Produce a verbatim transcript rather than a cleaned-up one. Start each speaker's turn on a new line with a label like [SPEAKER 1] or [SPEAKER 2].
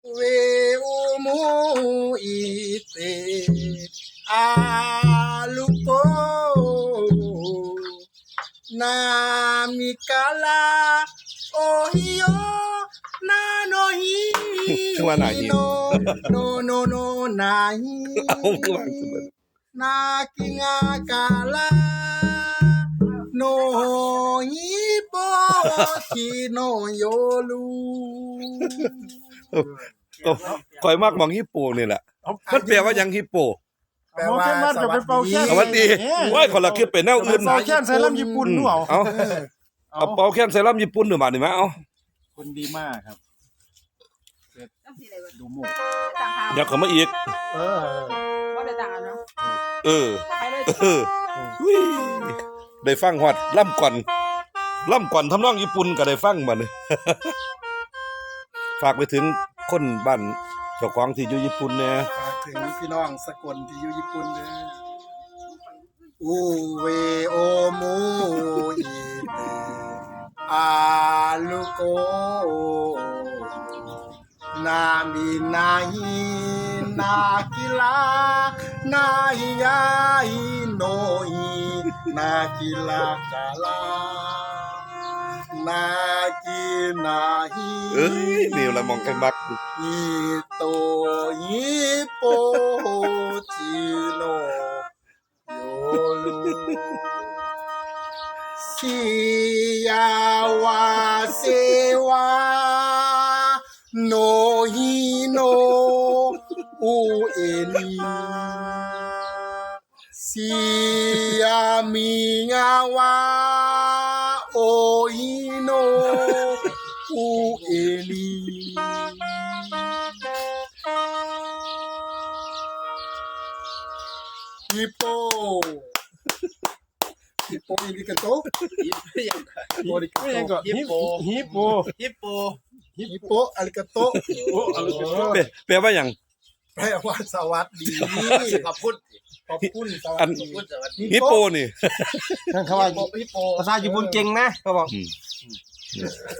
[SPEAKER 1] เวอุมุอิเตอาลุโกนามิกาลาโอฮิโอนาโนฮิ
[SPEAKER 2] คือว่านาฮิ
[SPEAKER 1] โนโนโนโนนาฮิ
[SPEAKER 2] เอาคือวางคือมัน
[SPEAKER 1] นากิงากาลาโนฮิโปชิโนโยลู
[SPEAKER 2] ก็ข่อยมักมองฮิปโปนี่แหละมันแปลว่าหยังฮิปโป
[SPEAKER 1] แปลว่า
[SPEAKER 3] มันจะเป็นเป่าแค้น
[SPEAKER 2] สวัสดีว่าคนละคิดเป็นแนวอื่น
[SPEAKER 3] เป่าแค้นใส่ลำญี่ปุ่นด้วย
[SPEAKER 2] เอาเอาเป่าแค้นใส่ลำญี่ปุ่นหรือมานี่มั้ยเอา
[SPEAKER 3] คนดีมากครับดูหมู
[SPEAKER 2] เดี๋ยวเขามาอีก
[SPEAKER 3] เออ
[SPEAKER 4] ว่าได้ต่างกันเนาะ
[SPEAKER 2] เออ
[SPEAKER 4] ไปเลย
[SPEAKER 2] เอออุ้ยได้ฟังฮอดล่ำก่อนล่ำก่อนทำนองญี่ปุ่นก็ได้ฟังมานี่ ฝากไปถึงคนบ้านเจ้าของที่อยู่ญี่ปุ่นแหน่
[SPEAKER 1] ฝากถึงพี่น้องสกลที่อยู่ญี่ปุ่นเด้ออูเวโอมูอิเตอาลุโกนามินาฮินากิลานาฮิยาฮิโนฮินากิลากาลานากินาฮิ
[SPEAKER 2] เอ้ยนี่ละมองกันมัก
[SPEAKER 1] ฮิโตฮิโปจิโนโยลูสิยาวาเซวาโนฮิโนอุเอนิสิยามิงาวาโอฮิโนอุเอนิฮิปโปฮิปโปอิริกาโตฮิปโปอิริกา
[SPEAKER 3] ไม่ยัง
[SPEAKER 1] โต
[SPEAKER 3] ก็ฮิปโปฮิปโป
[SPEAKER 1] ฮิปโปฮิปโปอาริกาโต
[SPEAKER 3] โอ้อะไรกัน
[SPEAKER 2] แปลแปลว่าหยัง
[SPEAKER 1] แปลว่าสวัสดี
[SPEAKER 5] ขอบคุณ
[SPEAKER 1] ขอบคุณสวั
[SPEAKER 2] อั
[SPEAKER 1] ส
[SPEAKER 2] น
[SPEAKER 1] ดี
[SPEAKER 5] คุณสวัสดี
[SPEAKER 2] ฮิปโปนี่
[SPEAKER 3] ท่านเขาว่า
[SPEAKER 1] ฮิปโป
[SPEAKER 3] ภาษาญี่ปุ่นเก่งนะเขาบอก